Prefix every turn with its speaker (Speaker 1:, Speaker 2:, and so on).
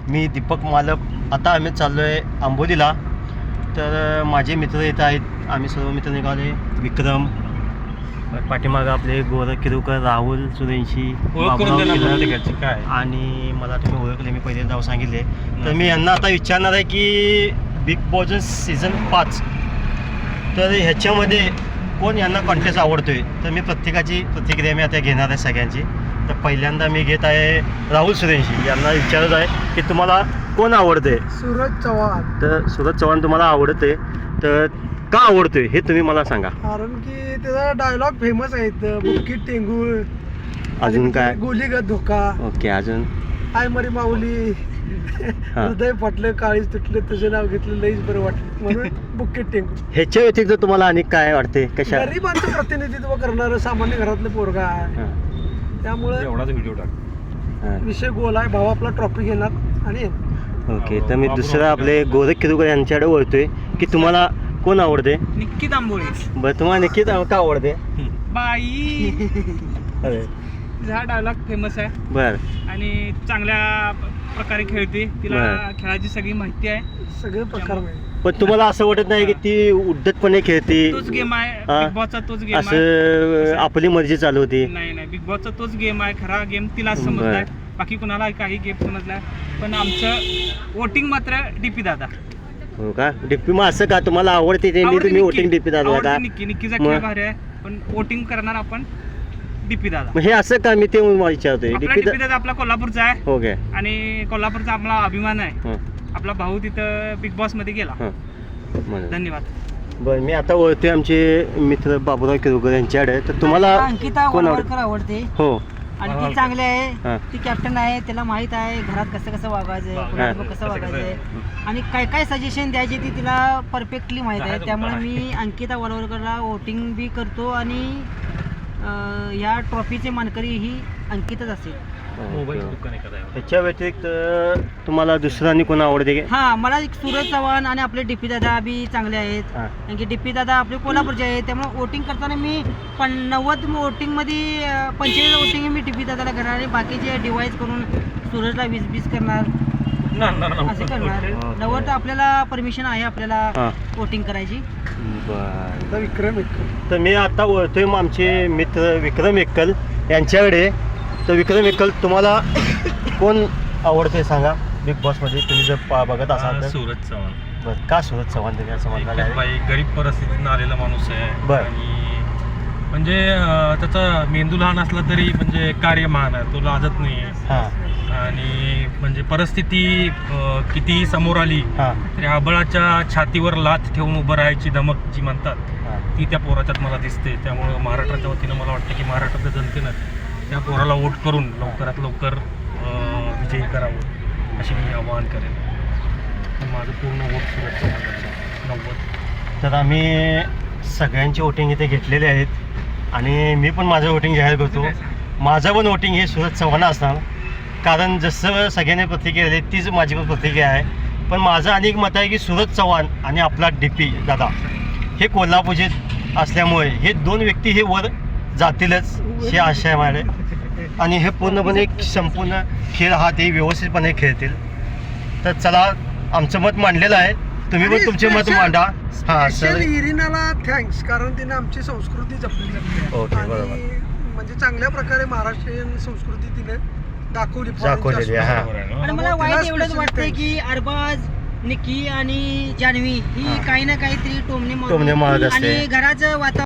Speaker 1: मी दीपक मालक. आता आम्ही चाललो आहे आंबोलीला. तर माझे मित्र येत आहेत, आम्ही सर्व मित्र निघाले. विक्रम, पाठीमागं आपले गोरख किरुकर, राहुल सूर्यवंशी, काय आणि मला तुम्ही ओळखले, मी पहिले जाऊ सांगितले. तर मी यांना आता विचारणार आहे की बिग बॉस सीझन 5 तर ह्याच्यामध्ये कोण यांना कॉन्टेस्ट आवडतोय. तर मी प्रत्येकाची प्रतिक्रिया मी आता घेणार आहे सगळ्यांची. तर पहिल्यांदा मी घेत आहे राहुल सूर्यवंशी. यांना विचारत आहे की तुम्हाला कोण आवडते.
Speaker 2: सूरज चव्हाण.
Speaker 1: तर सूरज चव्हाण तुम्हाला आवडते, तर का आवडतोय हे तुम्ही मला सांगा.
Speaker 2: कारण की त्याचा डायलॉग फेमस आहेत, बुक्कीट टेंगूळ,
Speaker 1: अजून काय,
Speaker 2: गोलीगत धोका,
Speaker 1: ओके, अजून
Speaker 2: आय मरी माऊली, हृदय फाटलं काळीच तुटलं तुझं नाव घेतलं लईच बरं वाटलं म्हणून बुक्कीट टेंगूळ.
Speaker 1: ह्याच्या व्यतिरिक्त तुम्हाला आणि काय वाटते. कशा
Speaker 2: गरिबांचं प्रतिनिधित्व करणारं सामान्य घरातलं पोरगा आहे, त्यामुळे
Speaker 3: एवढाच व्हिडिओ टाक.
Speaker 2: विषय गोल आहे. भाऊ आपला ट्रॉफी घेणार आणि
Speaker 1: ओके. तर मी दुसरं आपले गोरख किरुकर यांच्याकडे वळतोय की तुम्हाला कोण आवडते.
Speaker 4: निक्की तांबोळी.
Speaker 1: बरं, तुम्हाला नक्कीच का आवडते.
Speaker 4: बाई
Speaker 1: अरे
Speaker 4: हा डायलॉग फेमस आहे
Speaker 1: बरं,
Speaker 4: आणि चांगल्या प्रकारे खेळते. तिला
Speaker 1: बरं.
Speaker 4: खेळाची सगळी माहिती आहे.
Speaker 2: सगळे प्रकार मिळेल.
Speaker 1: पण तुम्हाला असं वाटत नाही की ती उद्धटपणे खेळते,
Speaker 4: तोच गेम आहे
Speaker 1: हा?
Speaker 4: बिग बॉसचा, तोच गेम आहे.
Speaker 1: असं आपली मर्जी चालू होती.
Speaker 4: नाही बिग बॉसचा तोच गेम आहे. खरा गेम तिला समजलाय, बाकी कुणाला काही गेम समजलाय. पण आमचं वोटिंग मात्र डीपी दादा.
Speaker 1: हो का, डिप्पी मग असं का तुम्हाला आवडते ते तुम्ही वोटिंग डीपी दादा का.
Speaker 4: निक्कीचा खेळ भारी आहे, पण वोटिंग करणार आपण डीपी दादा.
Speaker 1: मग हे असं का, मी ते विचारतोय.
Speaker 4: डीपी दादा आपला कोल्हापूरचा आहे.
Speaker 1: हो काय,
Speaker 4: आणि कोल्हापूरचा आपला अभिमान आहे. आपला भाऊ तिथं बिग बॉस मध्ये गेला. धन्यवाद.
Speaker 1: बरं, मी आता ओळखतोय आमचे मित्र बाबूराव किरुकर यांच्याकडे. तर तुम्हाला
Speaker 5: अंकिता
Speaker 1: कोण
Speaker 5: वडवळकर आवडते.
Speaker 1: हो,
Speaker 5: आणि ती चांगली आहे, ती कॅप्टन आहे, त्याला माहित आहे घरात कसं कसं वागायचं, कुणाबरोबर कसं वागायचंय आणि काय काय सजेशन द्यायचे ती तिला परफेक्टली माहित आहे. त्यामुळे मी अंकिता वडवळकरला वोटिंग बी करतो आणि या ट्रॉफीचे मानकरी ही अंकितच असेल.
Speaker 1: ह्याच्या व्यतिरिक्त तुम्हाला दुसरं आणि कोण आवडते.
Speaker 5: हा, मला एक सूरज चव्हाण आणि आपले डीपी दादा बी चांगले आहेत. कारण की डीपी दादा आपले कोल्हापूरचे आहेत, त्यामुळे वोटिंग करताना मी 90 वोटिंग मध्ये 45 वोटिंग मी डीपी दादाला करणार आणि बाकीचे डिवाइस करून सूरजला 20 करणार, असे करणार. 90 आपल्याला परमिशन आहे आपल्याला वोटिंग करायची.
Speaker 1: बरं,
Speaker 2: विक्रम.
Speaker 1: तर मी आता ओळखतोय आमचे मित्र विक्रम एक्कल यांच्याकडे. तर विक्रम एक्कल, तुम्हाला कोण आवडते सांगा बिग बॉसमध्ये, तुम्ही जर बघत असाल तर.
Speaker 3: सूरज चव्हाण.
Speaker 1: बरं, का सूरज चव्हाण तुम्ही असं म्हणता.
Speaker 3: बाई गरीब परिस्थितीतून आलेला माणूस आहे.
Speaker 1: बरं.
Speaker 3: आणि म्हणजे त्याचा मेंदू लहान असला तरी म्हणजे कार्य महान आहे, तो लाजत नाही. आणि म्हणजे परिस्थिती कितीही समोर आली तरी आबळाच्या छातीवर लाथ ठेवून उभं राहायची धमक जी म्हणतात ती त्या पोराच्यात मला दिसते. त्यामुळं महाराष्ट्राच्या वतीनं मला वाटतं की महाराष्ट्राच्या जनतेनं त्या पोराला वोट करून लवकरात लवकर विजयी करावं अशी मी आवाहन करेन. माझं पूर्ण वोट सूरज चव्हाण 90.
Speaker 1: तर आम्ही सगळ्यांची वोटिंग इथे घेतलेले आहेत आणि मी पण माझं वोटिंग जाहीर करतो. माझं पण वोटिंग हे सूरज चव्हाण असणार, कारण जसं सगळ्यांनी प्रतिक्रिया दिली तीच माझी पण प्रतिक्रिया आहे. पण माझं अनेक मत आहे की सूरज चव्हाण आणि आपला डीपी दादा हे कोल्हापूरचे असल्यामुळे हे दोन व्यक्ती हे वर जातीलच हे आशा आहे माझ्याकडे. आणि हे पूर्णपणे संपूर्ण खेळ हा ते व्यवस्थितपणे खेळतील. तर चला, आमचं मत मांडलेलं आहे, तुम्ही पण तुमचे मत मांडा. हां सर,
Speaker 2: इरिनाला थँक्स, कारण तिने आमची संस्कृती जपली
Speaker 1: ओके,
Speaker 2: आणि
Speaker 1: बरोबर.
Speaker 2: म्हणजे चांगल्या प्रकारे महाराष्ट्रीयन संस्कृती तिने दाखवलेली
Speaker 1: आहे.
Speaker 5: आणि मला वाईट एवढंच वाटतंय की अरबाज, निक्की आणि जान्हवी ही काही ना काहीतरी टोमणे
Speaker 1: मारत असते.
Speaker 5: आणि घराचं वातावरण